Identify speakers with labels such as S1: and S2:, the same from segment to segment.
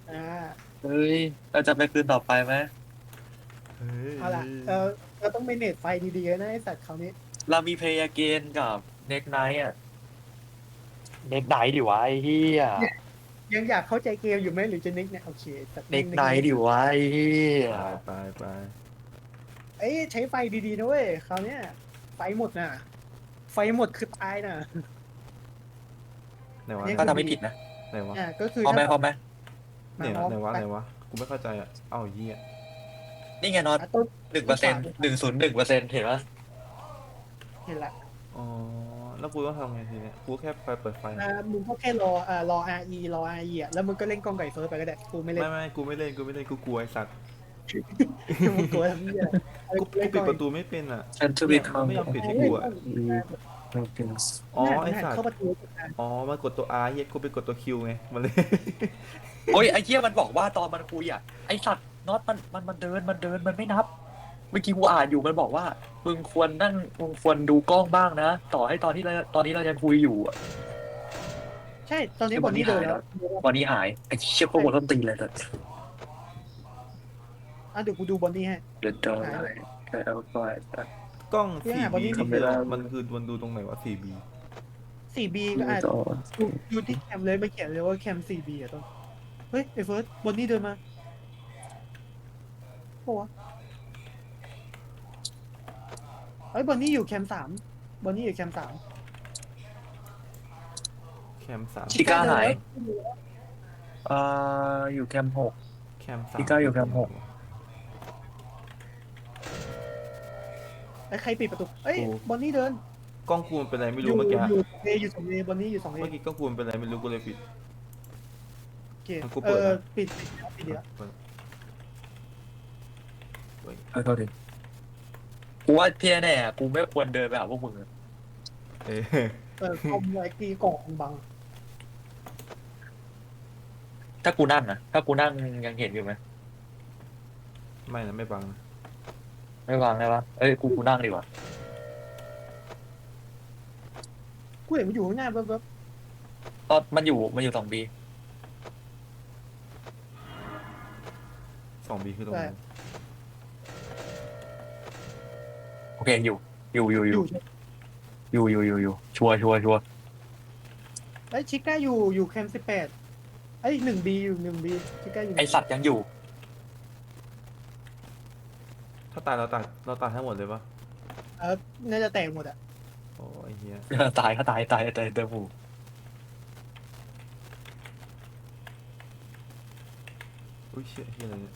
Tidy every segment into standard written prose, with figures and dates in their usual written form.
S1: อ่า
S2: เฮ้ยเราจะไปคืนต่อไปไหม
S3: เฮ้
S1: เอาล่ะ
S3: ย
S1: เราต้องเมเนจไฟดีๆนะไอสัตว์เขาวนี้
S2: เรามีเพลย์เกนกับเน็กไนท์อ่ะเน็กไนท์ดิวะไอ้เหี้ย
S1: เนี่ยยังอยากเข้าใจเกมอยู่ไหมหรือจะนิกเนี่ยโอเคแต่
S2: เน็
S1: แม่ง
S2: กไนท์
S1: นิกนิก
S2: ดิวะไอ้เหี้ย
S3: ไปไปไป
S1: เอ้ยใช้ไฟดีๆนะเว้ยคราวเนี้ยไฟหมดน่ะไฟหมดคือตายน่ะ
S3: ไหน
S1: อัน
S3: วะไหนวะ
S2: ถ้าทำ
S1: นี้คือดี
S2: ไม่ผิดนะ
S3: ไหนวะ
S1: ก็คือ
S2: พร้อม
S1: ถ้าแบบ
S2: ไหมพร้อมไหม
S1: มาพร้อม
S3: เนี่ยไหนวะ
S1: ไป
S3: ไหนวะกูไม่เข้าใจอ่ะเอ้าเหี้ย
S2: นี่ไงน็อต
S1: ต้นต้นขวา
S2: 1%
S1: ต้นขวา
S2: 101%เห็นปะ
S1: เห็นละ
S3: อ๋อแล้วกูต้องทำไงทีเนี้ยกูแค่ไปเปิดไฟ
S1: มึงก็แค่รอ RE รอ RE อ่ะแล้วมึงก็เล่นกองไก่เฟิร์สไปก็ได้กูไม่เล่น
S3: ไม่กูไม่เล่นกูไม่เล่นกูกลัวไอ้สัตว์
S1: มึงกลัวทำเหี้ยอะไร
S3: กู
S1: กูเล่นกอง
S3: ปิดประตูไม่เป็นอ่ะ
S2: ฉันจะ
S3: เนี่ยมัน
S2: become
S3: ไม่ยอมปิดให้
S1: เล่
S3: กูอ่ะ
S1: นกอง
S3: อ๋อ
S1: มึงหัน
S3: ไอ้สัตว์
S1: เข้าประตู
S3: อ๋อมันกดตัว R เหี้ยกูไปกดตัว Q ไงมันเลย
S2: โอ้ยไอ้เหี้ยมันบอกว่าตอนมันคุยอ่ะไอ้สัตว์น็อตมันเดินมันไม่นับเมื่อกี้กูอ่านอยู่มันบอกว่ามึงควรดูกล้องบ้างนะต่อให้ตอนนี้เรายังคุยอยู่อะ
S1: ใช่ตอนนี้
S2: คือบอล
S1: บอลนี่เดินแล้ว
S2: นี่หายแล้วบอลนี่หายไอ้เชี่ยโคตรต้นตีนเลยแต่
S1: เดี๋ยวกูดูบอลนี่ให้
S2: The
S1: หายเลย
S2: Dark Side of Light
S3: กล้อง
S1: พี่หาบอล
S3: 4B
S1: นี่
S3: นี่คือ
S2: Camera
S3: มันคือมันดูตรงไหนวะ 4B
S1: 4B ก็อาจ
S2: Use on
S1: ดูที่แคมเลยไม่เขียนเลยว่าแคม 4B อ่ะต้นเฮ้ยไอ้เฟิร์สบอลนี่เดินมาโอ้วะเฮ้ยบอลนี่อยู่แคม3บอลนี่อยู่แคม3
S3: แคมสาม
S2: ชิก้า
S1: เดิน
S2: หาย
S1: แล้ว
S2: เอ่อยู่แคมป์6
S3: แคมสาม
S2: ชิก้าอยู่แคมป์6
S1: ไอ้ใครปิดประตูเอ้ย
S3: กู
S1: บอลนี่เดิน
S3: กล้องกูมันเป็นอะไรไม่
S1: อยู่
S3: รู้เมื่อกี้
S1: อยู่เออยู่2Aบอลนี่อยู่2A
S3: เมื่อกี้กล้องกูมันเป็นอะไรไม่รู้กูเลยปิด
S1: โอเค
S3: มันกูเปิดนะ
S1: ปิดเดี๋ยว
S3: เปิดเฮ้ย
S2: โทษทีกูว่าพี่แน่ๆกูไม่ควรเดินไปหาพวกมึงอะ
S3: เอ้ย
S1: คอมไว้ตีกล่องบัง
S2: ถ้ากูนั่งอะถ้ากูนั่งยังเห็นอยู่ไหม
S3: ไม่นะไม่บังนะ
S2: ไม่วางได้ปะเอ้ยกูนั่งดีกว่า
S1: กูเห็นมันอยู่ข้างหน้าแบบ
S2: ตอนมันอยู่2 ปี
S3: 2B คือตรงไหน
S2: โอเคอยู่อยู่อยู่อ
S1: อยู่
S2: ยู่ชัวร์
S1: ไอ้ชิก้าอยู่แคม18ไอ้1B อยู่1B ชิก้าอยู่
S2: ไอสัตว์ยังอยู่
S3: ถ้าตายเราตายทั้งหมดเลยปะ
S1: น่าจะแตกหมดอ่ะ
S3: โอ้ยเฮีย
S2: ตายก็ตายเต็มหู
S3: อุ้ยเชี่ยเฮียอะไรเนี่ย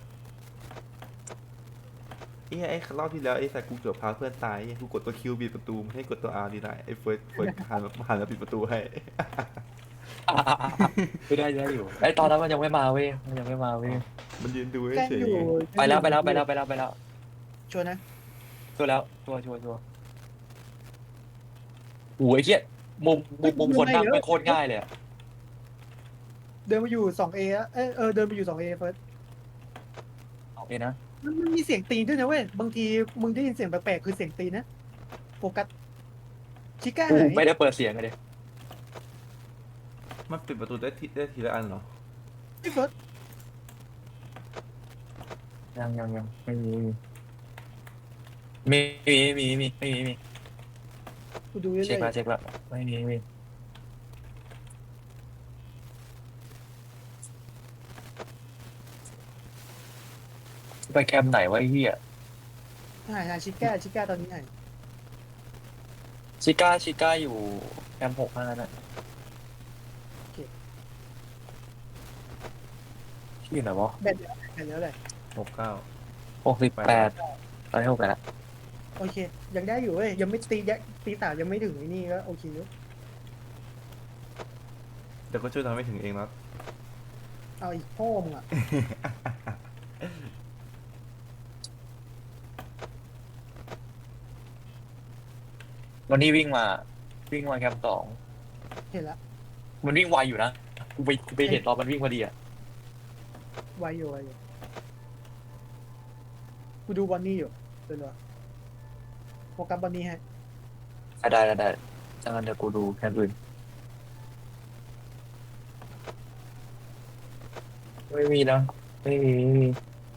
S3: ไอ้รอบที่แล้วไอ้สัตว์กูเกือบพาเพื่อนตายไอ้กูกดตัวคิวปิดประตูไม่ให้กดตัว R ดีได้ไอ้เฟิร์สหันมาปิดประตูให้
S2: ไม่ได้อยู่ไอตอนนั้นมันยังไม่มาเว้ยมันยังไม่มาเว้ย
S3: มันยืนดู
S1: แจ้ง
S3: เฉย
S1: อยู่
S2: ไปแล้ว
S1: ชัวร์นะ
S2: ชัวร์แล้วชัวร์โอ้ยเหี้ยมุมคนนั่งไม่โคตรง่ายเลยอะ
S1: เดินมาอยู่ 2A แล้วเดินมาอยู่ 2A เฟิร์ส
S2: โอเคนะ
S1: มันมีเสียงตีนด้วยนะเว้ยบางทีมึงได้ยินเสียงแปลกๆคือเสียงตีนนะโฟกัสชิก้า
S2: กู
S1: หาย
S2: ไม่ได้เปิดเสียงเลย
S3: ๆมันปิดประตูได้ทีละอันเหรอ
S1: ไอ้เฟิร์ส
S2: ยังไม่มี
S1: กูดูเรื่อย
S2: เช็คแล้วไม่มีไปแคมป์ไหนวะไอ้เหี้ย
S1: ๆหายชิก้าตอนนี้หาย
S2: ชิก้าอยู่แคมป์6นั่นน่ะที่อยู่ไหนวะ
S1: แบตแล้วแหละ
S3: 69
S2: 68ตอนนี้68แล้ว
S1: โอเค ยังได้อยู่เว้ยยังไม่ตี3ยังไม่ถึงไอ้นี่ก็โอเคอยู่
S3: เดี๋ยวก็ช่วยทำให้ถึงเองนะ
S1: เอาอีกพ่อมึงอ่ะ
S2: วันนี้วิ่งมาแคมป์2
S1: เห็นละ
S2: มันวิ่งไวอยู่นะกูไปเห็นตอนมันวิ่งพอดีอะ
S1: ไวอยู่กูดูบอนนี่อยู่เดี๋ยวโฟกัสบอนนี่ให้
S2: ได้จังงั้นเดี๋ยวกูดูแคมป์อื่นไม่มีนะไม่มีไม่มี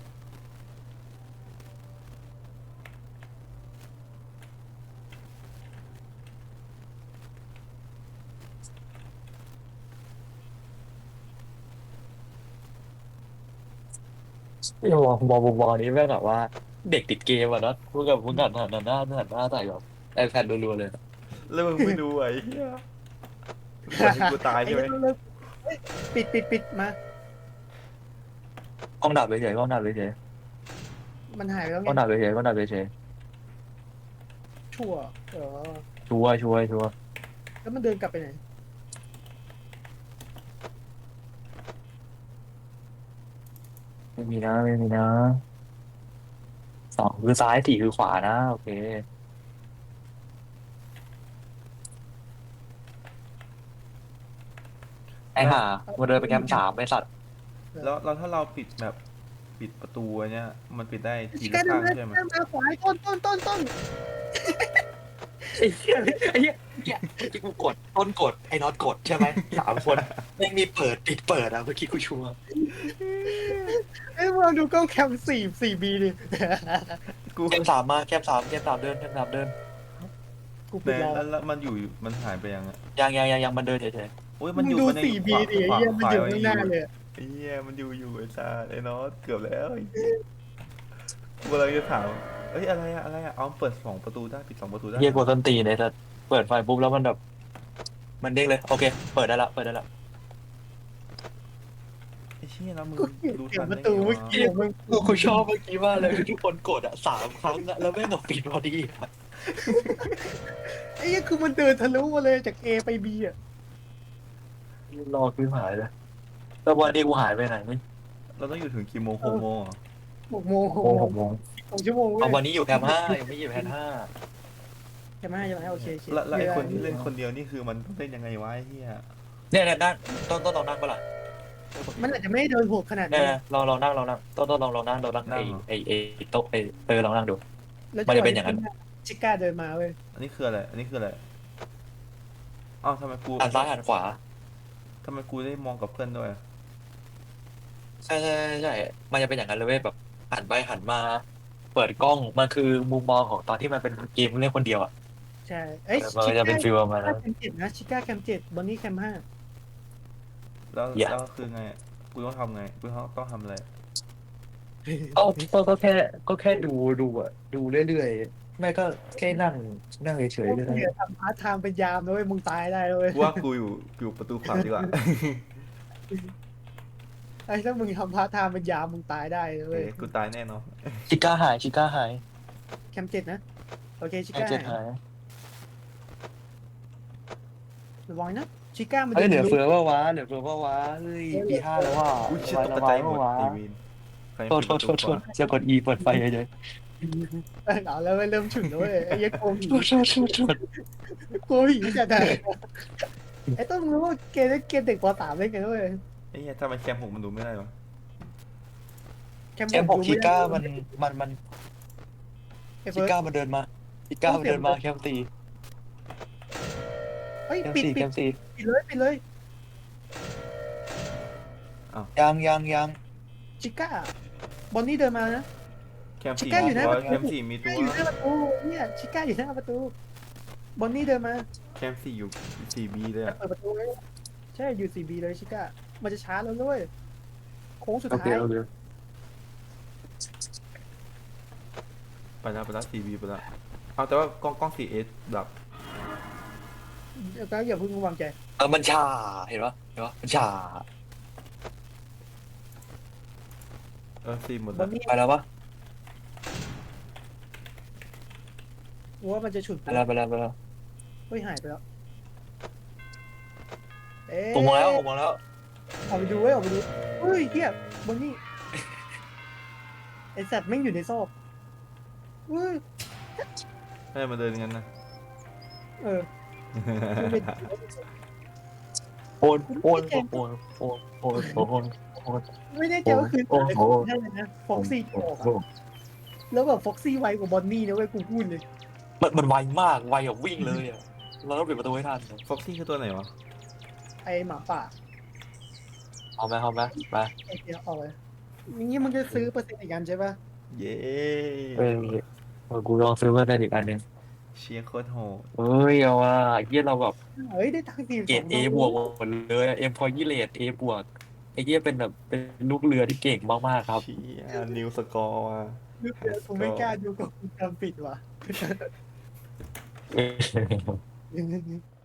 S2: ไอ้วอนี้แม่งแบบว่าเด็กติดเกมอ่ะเนอะมึงหันหน้าใส่แบบไอแพดรัวๆเลย
S3: แล้วมึงไม่ดูไอ้เหี้ยมึงปล่อยให้กูตาย
S1: ไอ้
S3: ใช่ไหม
S1: เรื่องเลิกเฮ้ยปิดมา
S2: กล้องดับเฉยๆกล้องดับเฉย
S1: มันหายไปแล้ว
S2: ๆก
S1: ไง
S2: ล้องดับเฉยๆกล้องดับเฉย
S1: ชั่วเออ
S2: ๆชัวร์
S1: แล้วมันเดินกลับไปไหน
S2: ไม่มีนะสองคือซ้ายสี่คือขวานะโอเคไอ้ห่ามาเดินไปแคมป์สามไอ้สัตว์
S3: แล้วถ้าเราปิดแบบปิดประตูอันเนี้ยมันปิดได้ที
S1: ชิ
S3: ละ
S1: ก้าเดิ
S3: ข้าง
S1: นมา
S3: ใช่ไหม
S1: เดินมาขวาต้น
S2: ไอ้เหี้ยเมื่อกี้กูกดต้นกดไอ้น็อตกดใช่ไหม3 คนไม่มีเปิดปิดเปิดอ่ะเมื่อกี้กูชัวร์
S1: เอ้ยมึงลองดูกล้องแคม4Bดิ
S3: กู
S2: แคมป์ 3 เดิน
S1: กูปิ
S3: แม่
S1: ดรอ
S3: แล้วมันอยู่มันหายไปยังอะ
S2: ยังมันเดินเฉย
S3: โอ้ย
S1: มึ
S3: มัน
S1: ง
S3: อยู่
S1: ดู
S3: มันยังอยู่
S1: 4B ดิไอ้เหี้ยมันอยู่ข้างหน้าเลย
S3: ไอ้เหี้ยมันอยู่ไอ้ซาไอ้นอตเกือบแล้วกูกำลังจะถามเอ้ยอะไรอะเอาเปิด2 ประตูได้ปิด2 ประตูได้
S2: ๆเฮียกดต้นตีนเลยแต่เปิดไฟปุ๊บแล้วมันแบบมันเด้งเลยโอเคเปิดได้ละ
S3: ไอ้เชี่ยแล้วมึง
S1: กูเกลียด
S3: ดู
S1: เสีย
S3: ทั
S1: ง
S3: น
S1: ประ
S3: ได้
S1: ตู
S3: ไง
S1: เมื่อ
S3: วะ
S1: กี้มึง
S2: กูชอบเมื่อกี้มากเลยทุกคนกดอ่ะ3 ครั้งอ่ะแล้วแม่งก็ปิดพอดีอะ
S1: ไอ้เหี้ยคือมันเดินทะลุมาเลยจาก A ไป B อ่ะ
S2: รอคือหายเลยแล้ววันนี้กูหายไปไหนนี่
S3: เราต้องอยู่ถึงกี่โมง6 โมงเหรอ
S1: 6 โมง
S2: 6 โมง
S1: 2 ชั่วโมงเว้
S2: เอา
S1: ย
S2: วันนี้อยู่แคมป์ 5ยังไม่อยู่แคมป์ 5
S1: ใช่ไหมโอเค
S3: แล้วไอ้คนที่เล่นคนเดียวนี่คือมันต้องเล่นยังไงวะไอ้เหี้ย
S2: เนี่ยนั่งต้นลองนั่งปะล่ะ
S1: มันอาจจะไม่ได้เดินโหดขนาด
S2: เนี่
S1: นั้
S2: ย
S1: น
S2: ลองนั่งต้นลองนั่งไอ้โต๊ะลองนั่งดู
S1: แล้ว
S2: มันจะเป็นอย่างนั้น
S1: ชิก้าเดินมาเว้ย
S3: อันนี้คืออะไรอ้าวทำไมกู
S2: หันซ้ายหันขวา
S3: ทำไมกูได้มองกับเพื่อนด้วยอะ
S2: ใช่มันจะเป็นอย่างนั้นเลยเว้ยแบบหันไปหันมา เปิดกล้องมันคือมุมมองของตอนที่มันเป็นเกมเล่นคนเดียวอ่ะ
S1: ใช่เอ้ย
S2: มัน
S1: ชิ
S2: จะ
S1: ก้า
S2: เป็นฟีลประมาณนั้น
S1: แคมป์ 7นะชิก้าแคมป์ 7บอนนี่แคมป์ 5
S3: แล้ว
S2: อย่า
S3: แล้วคือไงกูต้องทำไงกูต้องทำอะไร
S2: ก็แค่ดูอ่ะดูเรื่อยๆไม่ก็แค่นั่งเฉยๆเลย
S1: เดี๋ยวทำพาร์ทไทม์เป็นยามนะเว้ยมึงตายได้เลย
S3: กูว่ากูอยู่ประตูขวาดีกว่า
S1: ไอ้ถ้ามึงทำพาร์ทไทม์เป็นยามมึงตายได้เลย
S3: เฮ้ยกูตายแน่นอน
S2: ชิก้าหาย
S1: แคมป์ 7นะโอเคชิ
S2: ไอ้
S1: ก้า
S2: เจ็ดหาย
S1: ระวังนะชิก้ามัน
S2: เฮ้ยเหลือ
S1: จะ
S2: เฟือว่าวะเฮ้ยปี 5แล้วว่ะ
S3: อุ้ยเชี่ยตก
S2: ระ
S3: ใจ
S2: วัง
S3: หมด
S2: วะ
S3: ไอ้วินใคร
S2: โทษ
S3: ปิดประตูก่อน
S2: จะกด E เปิดไฟเฉย
S1: เอาแล้วเริ่มฉุนแล้วเว้ยไอ้ยักษ์โกงผี
S2: โทษ
S1: โกงผีจะได้ไอ้ต้องรู้ว่าเกมเด็กป .3 เล่นกันด้วย
S3: ไอ้เหี้ยทำไมแคมป์6มันดูไม่ได้วะ
S1: แคมป์
S2: แค่บอก
S1: ดู
S2: ชิ
S1: ไม่ได้
S2: ก้ามัน
S1: ไอ้
S2: ชิ
S1: เฟิร์ส
S2: ก้ามันเดินมาแคมป์ตี
S1: เฮ้ย
S2: แคม
S1: ปิด
S2: ป์4
S1: ปิ
S2: แค
S1: ด
S2: มป์ 4
S1: ปิดเลย
S2: ยัง
S1: ชิก้าบอนนี่เดินมานะ
S3: แคมป์
S1: ชิ
S3: 4
S1: ก้า
S3: มี
S1: อยู่หน้า
S3: ตัว
S1: ประตู
S3: แคมป์4มี
S1: ชิ
S3: ตั
S1: ก้าว อยู่หน้าประตูเนี่ยชิก้าอยู่หน้าประตูบอนนี่เดินมา
S3: แคมป์4อยู่ 4B เลยอะ
S1: เปิดประตูเลยใช่อยู่ 4B เลยชิก้ามันจะช้าแล้วด้วยโค้งสุด
S2: โอเค
S1: ท้าย
S3: ไปแล้ว 4B ไปแล้วเอาแต่ว่ากล้อง 4S ดับ
S1: แล้วก็อย่าเพิ่งวางใจ
S2: มันชาเห็นปะมันชา
S3: C หมด
S1: บ
S3: แล้
S1: อ
S3: วน
S1: นี่
S2: ไปแล้วปะ
S1: ว่ามันจะฉุด
S2: ไปแล้ว
S1: เฮ้ยหายไปแล้วเอ๊ะ
S2: ผมมองแล้ว
S1: ออกไปดูเว้ยออกไปดูเฮ้ยเฮียบอนนี่ไอสัตว์แม่งอยู่ในซอกเฮ้ย
S3: ให้มาเดินงั้นนะ
S1: เออมันเป็น
S2: โอน
S1: ไม่แน่ใจว่าคืนอะไรได้เลยนะฟ็อกซี่ออกอะแล้วแบบฟ็อกซี่ไวกว่าบอนนี่นะเว้ยกูพูดเลย
S2: มันไวมากไวแบบวิ่งเลยอ่ะเราต้องปิดประตูให้ทัน
S3: ฟ็อกซี่คือตัวไหนวะ
S1: ไอหมาป่า
S2: เอาไหมไป
S1: โอเคออกเลยอย่างงี้มึงจะซื้อเปอร์เซ็นต์อีกอันใช่ปะ
S3: เย้
S2: เออกูลองซื้อมาได้อีกอันหนึง
S3: เชียร์โคตรโหด
S2: เฮ้ยเอาว่าเฮียเราแบบ
S1: เฮ้ยได้ตังค์สี่
S2: เกรด
S1: สอง
S2: A บวกหมดเลยเอ็มพอยี่เลดเอบวกไอ้เฮียเป็นแบบเป็นลูกเรือที่เก่งมากๆครับ
S3: เชียร์นิวสกอร์ว่ะไฮส
S1: กู
S3: ก
S1: ไม่
S3: อร์
S1: กล้าดูกับกูจำปิดว่ะ